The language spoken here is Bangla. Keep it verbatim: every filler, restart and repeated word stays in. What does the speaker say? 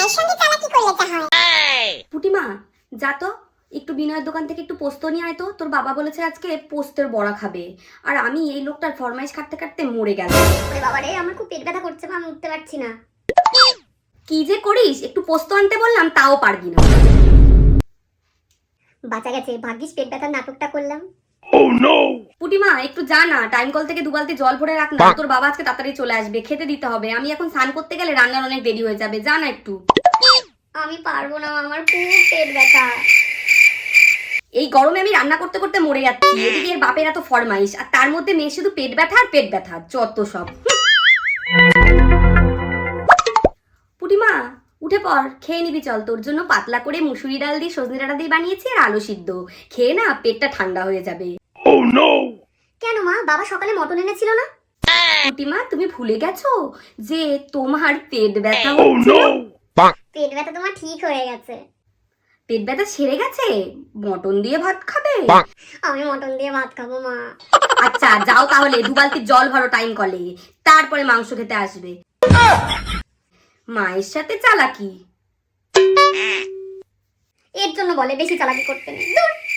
মায়ের সঙ্গে চালাকি করলে তা হয়। পুটিমা যা তো একটু বিনয়ের দোকান থেকে একটু পোস্ত নিয়ে আয় তো, তোর বাবা বলেছে আজকে পোস্তের বড়া খাবে। আর আমি এই লোকটার ফরমাইশ কাটতে কাটতে মরে গেল। ওরে বাবা রে, আমার খুব পেট ব্যথা করছে মা, আমি উঠতে পারছি না। কি যে করিস, একটু পোস্ত আনতে বললাম তাও পারবি না। বাঁচা গেছে, ভাগ্যিস পেট ব্যথার নাটকটা করলাম। পুটিমা একটু যা না, টাইম কল থেকে দু বালতি জল ভরে রাখ না, তোর বাবা আজকে তাড়াতাড়ি চলে আসবে, খেতে দিতে হবে। আমি এখন স্নান করতে গেলে রান্নার অনেক দেরি হয়ে যাবে, যা না একটু। আমি পারবো না, আমার খুব পেট ব্যথা। এই গরমে আমি রান্না করতে করতে মরে যাচ্ছি, এদিকে এর বাপের এত ফরমাইশ, আর তার মধ্যে মেয়ে শুধু পেট ব্যথা আর পেট ব্যথা, যত সব। পুটিমা উঠে পড়, খেয়ে নিবি চল, তোর জন্য পাতলা করে মুসুরি ডাল দিয়ে সজনে ডাঁটা দিয়ে বানিয়েছি আর আলু সিদ্ধ, খেয়ে না পেটটা ঠান্ডা হয়ে যাবে। কেন মা, বাবা সকালে মটন এনেছিল না? পুটিমা তুমি ভুলে গেছো যে তোমার পেট ব্যথা হচ্ছিল? পেট ব্যথা তোমার ঠিক হয়ে গেছে। পেট ব্যথা সেরে গেছে, মটন দিয়ে ভাত খাবে? আমি মটন দিয়ে ভাত খাবো মা। আচ্ছা যাও তাহলে, দু বালতি জল ভরো টাইম কলে, তারপরে মাংস খেতে আসবে। মায়ের সাথে চালাকি। এর জন্য বলে বেশি চালাকি করতে নেই। দূর।